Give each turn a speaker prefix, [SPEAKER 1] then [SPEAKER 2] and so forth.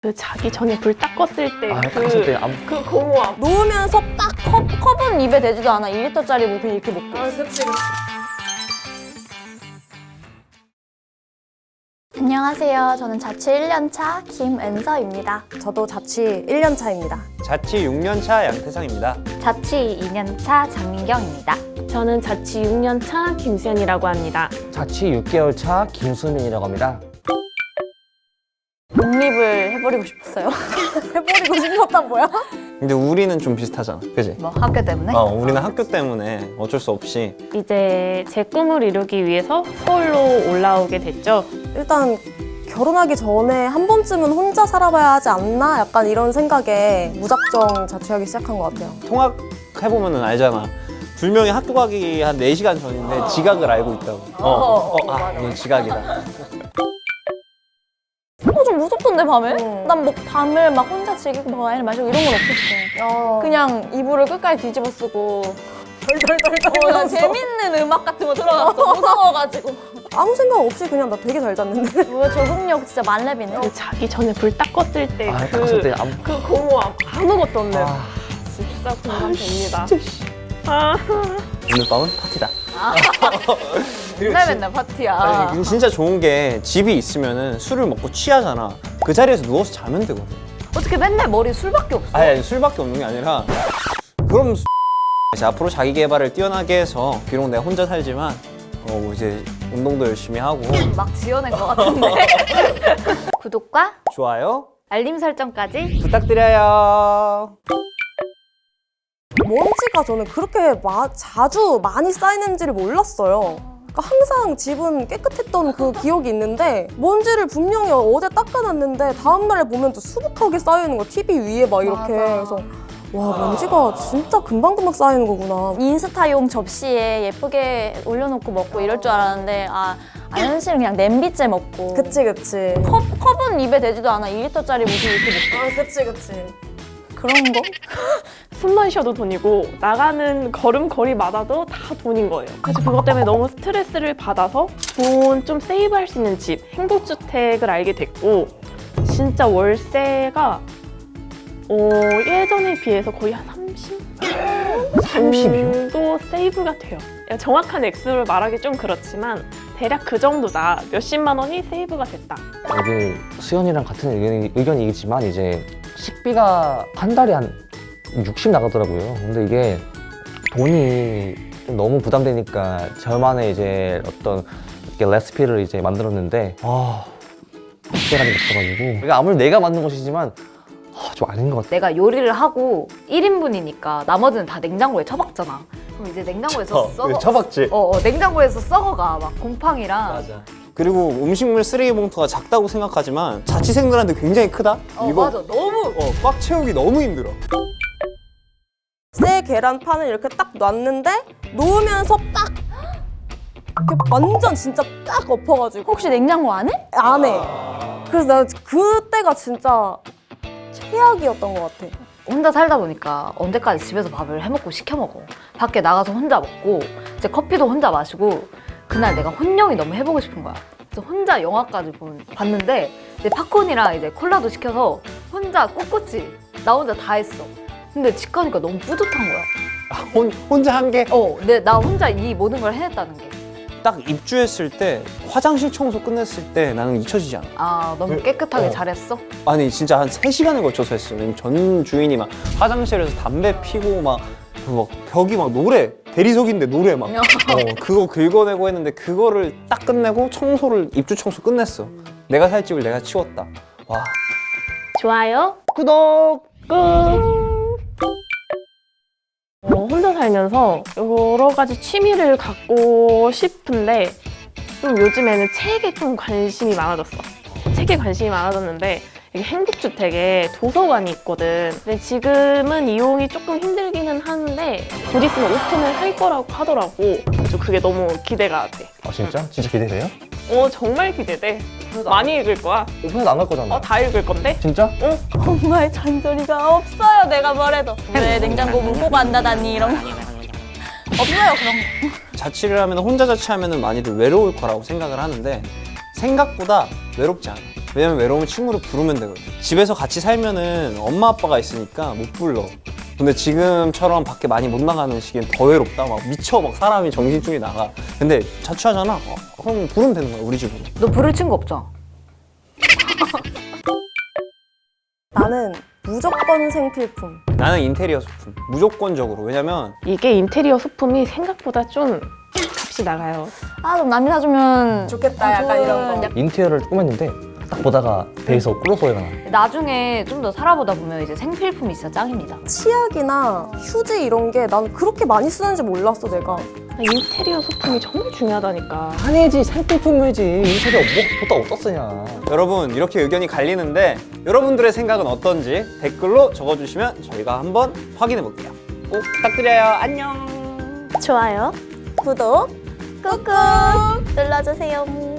[SPEAKER 1] 그 자기 전에 불 딱 껐을 때 그 공허함.
[SPEAKER 2] 놓으면서 딱 컵은 입에 대지도 않아. 2리터짜리 뭐 그냥 이렇게 먹고.
[SPEAKER 1] 그치.
[SPEAKER 2] 안녕하세요. 저는 자취 1년차 김은서입니다.
[SPEAKER 3] 저도 자취 1년 차입니다.
[SPEAKER 4] 자취 6년차 양태상입니다.
[SPEAKER 2] 자취 2년차 장민경입니다.
[SPEAKER 1] 저는 자취 6년차 김수연이라고 합니다.
[SPEAKER 5] 자취 6개월 차 김수민이라고 합니다.
[SPEAKER 2] 독립을 해버리고 싶었어요.
[SPEAKER 3] 해버리고 싶었단 뭐야?
[SPEAKER 4] 근데 우리는 좀 비슷하잖아, 그지?
[SPEAKER 2] 뭐 학교 때문에?
[SPEAKER 4] 우리는 학교 때문에 어쩔 수 없이
[SPEAKER 1] 이제 제 꿈을 이루기 위해서 서울로 올라오게 됐죠.
[SPEAKER 3] 일단 결혼하기 전에 한 번쯤은 혼자 살아봐야 하지 않나? 약간 이런 생각에 무작정 자취하기 시작한 것 같아요.
[SPEAKER 4] 통학해보면 알잖아. 분명히 학교 가기 한 4시간 전인데 지각을 알고 있다고. 이건 지각이다.
[SPEAKER 2] 좀 무섭던데 밤에? 난 뭐 밤을 막 혼자 즐기고 막 와인을 마시고 이런 건 없었어. 그냥 이불을 끝까지 뒤집어 쓰고 난 재밌는 음악 같은 거 들어갔어. 무서워가지고.
[SPEAKER 3] 아무 생각 없이 그냥 나 되게 잘 잤는데.
[SPEAKER 2] 뭐야 적응력 진짜 만렙이네.
[SPEAKER 1] 그 자기 전에 불 딱 껐을 때
[SPEAKER 5] 껐을
[SPEAKER 1] 그 공허함. 아무것도 없는. 진짜 공감됩니다.
[SPEAKER 4] 오늘 밤은 파티다.
[SPEAKER 2] 맨날 파티야.
[SPEAKER 4] 아니, 진짜 좋은 게 집이 있으면은 술을 먹고 취하잖아. 그 자리에서 누워서 자면 되거든.
[SPEAKER 2] 어떻게 맨날 머리 술밖에 없어?
[SPEAKER 4] 아니 술밖에 없는 게 아니라 그럼 이제 앞으로 자기 개발을 뛰어나게 해서 비록 내가 혼자 살지만 이제 운동도 열심히 하고
[SPEAKER 2] 막 지어낸 것 같은데. 구독과
[SPEAKER 4] 좋아요
[SPEAKER 2] 알림 설정까지.
[SPEAKER 4] 부탁드려요.
[SPEAKER 3] 먼지가 저는 그렇게 자주 많이 쌓이는지를 몰랐어요. 그러니까 항상 집은 깨끗했던 그 기억이 있는데 먼지를 분명히 어제 닦아놨는데 다음날에 보면 또 수북하게 쌓여있는 거 TV 위에 막 이렇게.
[SPEAKER 2] 맞아.
[SPEAKER 3] 그래서 와 먼지가 진짜 금방금방 쌓이는 거구나.
[SPEAKER 2] 인스타용 접시에 예쁘게 올려놓고 먹고 이럴 줄 알았는데 안현실은 그냥 냄비째 먹고.
[SPEAKER 3] 그치.
[SPEAKER 2] 컵은 입에 대지도 않아. 2리터짜리 뭐 이렇게 먹고.
[SPEAKER 3] 그치.
[SPEAKER 2] 그런 거?
[SPEAKER 1] 숨만 쉬어도 돈이고 나가는 걸음걸이마다도 다 돈인 거예요. 그래서 그것 때문에 너무 스트레스를 받아서 돈 좀 세이브할 수 있는 집, 행복주택을 알게 됐고 진짜 월세가 예전에 비해서 거의 한
[SPEAKER 5] 30이요?
[SPEAKER 1] 정도 세이브가 돼요. 정확한 액수를 말하기 좀 그렇지만 대략 그 정도다. 몇십만 원이 세이브가 됐다.
[SPEAKER 5] 여기 수연이랑 같은 의견이겠지만 이제 식비가 한 달에 한 60 나가더라고요. 근데 이게 돈이 좀 너무 부담되니까 저만의 이제 어떤 이렇게 레시피를 이제 만들었는데 특별하게 없어가지고 그러니까 아무리 내가 만든 것이지만 좀 아닌 것 같아.
[SPEAKER 6] 내가 요리를 하고 1인분이니까 나머지는 다 냉장고에 처박잖아. 그럼 이제 냉장고에서 썩어.
[SPEAKER 4] 처박지.
[SPEAKER 6] 냉장고에서 썩어가. 막 곰팡이랑.
[SPEAKER 4] 맞아. 그리고 음식물 쓰레기 봉투가 작다고 생각하지만 자취생들한테 굉장히 크다. 이거
[SPEAKER 6] 맞아. 너무.
[SPEAKER 4] 꽉 채우기 너무 힘들어.
[SPEAKER 3] 새 계란판을 이렇게 딱 놨는데 놓으면서 딱 이렇게 완전 진짜 딱 엎어가지고
[SPEAKER 2] 혹시 냉장고 안 해?
[SPEAKER 3] 안 해. 그래서 나 그때가 진짜 최악이었던 것 같아.
[SPEAKER 6] 혼자 살다 보니까 언제까지 집에서 밥을 해먹고 시켜 먹어. 밖에 나가서 혼자 먹고 이제 커피도 혼자 마시고 그날 내가 혼영이 너무 해보고 싶은 거야. 그래서 혼자 영화까지 봤는데 이제 팝콘이랑 이제 콜라도 시켜서 혼자 꿋꿋이 나 혼자 다 했어. 근데 집 가니까 너무 뿌듯한 거야.
[SPEAKER 4] 혼자 한 게.
[SPEAKER 6] 근데 나 혼자 이 모든 걸 해냈다는 게.
[SPEAKER 4] 딱 입주했을 때 화장실 청소 끝냈을 때 나는 잊혀지지 않아.
[SPEAKER 6] 너무 깨끗하게 잘했어?
[SPEAKER 4] 아니 진짜 한 3시간을 걸쳐서 했어. 왜냐면 전 주인이 막 화장실에서 담배 피고 막 벽이 막 노래, 대리석인데 노래 막 그거 긁어내고 했는데 그거를 딱 끝내고 입주 청소 끝냈어. 내가 살 집을 내가 치웠다. 와.
[SPEAKER 1] 좋아요,
[SPEAKER 4] 구독!
[SPEAKER 1] 꾹! 혼자 살면서 여러 가지 취미를 갖고 싶은데 좀 요즘에는 책에 좀 관심이 많아졌어. 책에 관심이 많아졌는데 여기 행복주택에 도서관이 있거든. 근데 지금은 이용이 조금 힘들기는 하는데 곧 있으면 오픈을 할 거라고 하더라고. 그래서 그게 너무 기대가 돼.
[SPEAKER 5] 진짜? 진짜 기대돼요?
[SPEAKER 1] 정말 기대돼. 많이 읽을 거야.
[SPEAKER 5] 오픈해도 안 갈 거잖아.
[SPEAKER 1] 다 읽을 건데?
[SPEAKER 5] 진짜?
[SPEAKER 2] 정말 잔소리가 없어요. 내가 뭐래도. 왜 냉장고 문 꼭 안 닫았니? 이런 거. 없어요 그런 거.
[SPEAKER 4] 자취를 하면 혼자 자취하면 많이들 외로울 거라고 생각을 하는데 생각보다 외롭지 않아. 왜냐면 외로우면 친구를 부르면 되거든. 집에서 같이 살면은 엄마 아빠가 있으니까 못 불러. 근데 지금처럼 밖에 많이 못 나가는 시기엔 더 외롭다. 막 미쳐, 막 사람이 정신줄이 나가. 근데 자취하잖아. 그럼 부르면 되는 거야, 우리 집으로.
[SPEAKER 6] 너 부를 친구 없죠?
[SPEAKER 3] 나는 무조건 생필품.
[SPEAKER 4] 나는 인테리어 소품. 무조건적으로. 왜냐면
[SPEAKER 1] 이게 인테리어 소품이 생각보다 좀 값이 나가요.
[SPEAKER 2] 아, 좀 남이 사주면
[SPEAKER 3] 좋겠다, 약간 이런 거.
[SPEAKER 5] 인테리어를 꾸몄는데 딱 보다가 배에서 꿀러 소리가 나.
[SPEAKER 6] 나중에 좀 더 살아보다 보면 이제 생필품이 진짜 짱입니다.
[SPEAKER 3] 치약이나 휴지 이런 게 난 그렇게 많이 쓰는지 몰랐어, 내가.
[SPEAKER 1] 인테리어 소품이 정말 중요하다니까.
[SPEAKER 5] 아니지, 생필품이지. 인테리어 보다 어디다 쓰냐.
[SPEAKER 4] 여러분 이렇게 의견이 갈리는데 여러분들의 생각은 어떤지 댓글로 적어주시면 저희가 한번 확인해 볼게요. 꼭 부탁드려요. 안녕.
[SPEAKER 1] 좋아요.
[SPEAKER 3] 구독 꾹꾹 눌러주세요.